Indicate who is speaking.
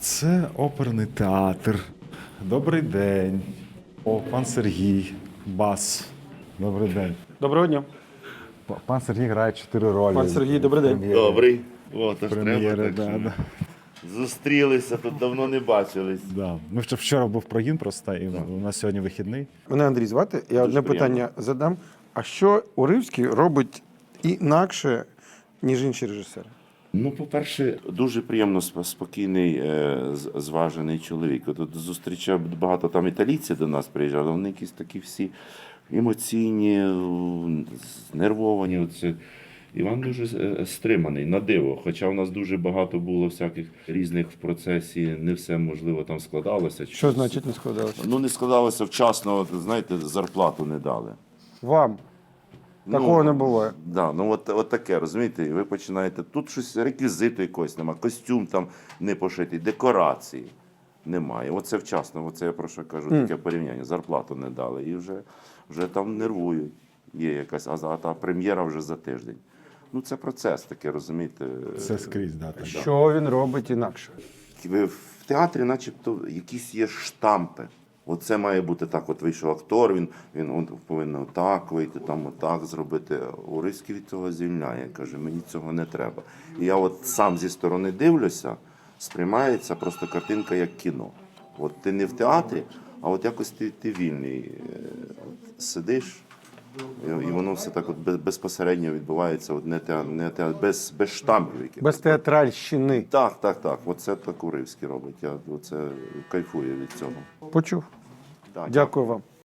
Speaker 1: це оперний театр. Добрий день. О, пан Сергій, бас. Добрий день.
Speaker 2: Доброго дня.
Speaker 1: Пан Сергій грає 4 ролі.
Speaker 2: Пан Сергій, добрий день.
Speaker 1: Прем'єри.
Speaker 3: Добрий. О, то ж
Speaker 1: Прем'єри,
Speaker 3: треба, так,
Speaker 1: да,
Speaker 3: що
Speaker 1: да.
Speaker 3: Зустрілися, тут давно не бачились.
Speaker 1: Да. Ми вчора був прогін просто, і у нас сьогодні вихідний.
Speaker 2: Мене Андрій звати. Я одне питання задам. А що Уривський робить інакше, ніж інші режисери?
Speaker 3: Ну, по-перше, дуже приємно спокійний, зважений чоловік. Тут зустрічав багато там італійців до нас приїжджали, вони якісь такі всі емоційні, знервовані. Оце. Іван дуже стриманий, на диво. Хоча у нас дуже багато було всяких різних в процесі, не все, можливо, там складалося.
Speaker 2: Що значить не складалося?
Speaker 3: Ну, не складалося вчасно, от, знаєте, зарплату не дали.
Speaker 2: Вам? Такого не буває.
Speaker 3: Да, ну от таке, розумієте, і ви починаєте, тут щось, реквізиту якогось немає, костюм там не пошитий, декорації немає. Оце вчасно, оце я про що кажу, таке порівняння, зарплату не дали і вже там нервують. Є якась, а та прем'єра вже за тиждень. Ну це процес такий, розумієте.
Speaker 1: Це скрізь, да, так.
Speaker 2: Що він робить інакше?
Speaker 3: В театрі начебто якісь є штампи. Оце має бути так, от вийшов актор, він повинен отак вийти, там отак зробити. Уривський від цього звільняє, каже, мені цього не треба. І я от сам зі сторони дивлюся, сприймається просто картинка як кіно. От ти не в театрі, а от якось ти вільний. От сидиш, і воно все так от безпосередньо відбувається, от без штампів.
Speaker 2: Без театральщини.
Speaker 3: Так. Оце так Уривський робить. Я оце кайфую від цього.
Speaker 2: Почув.
Speaker 3: Так,
Speaker 2: Дякую вам.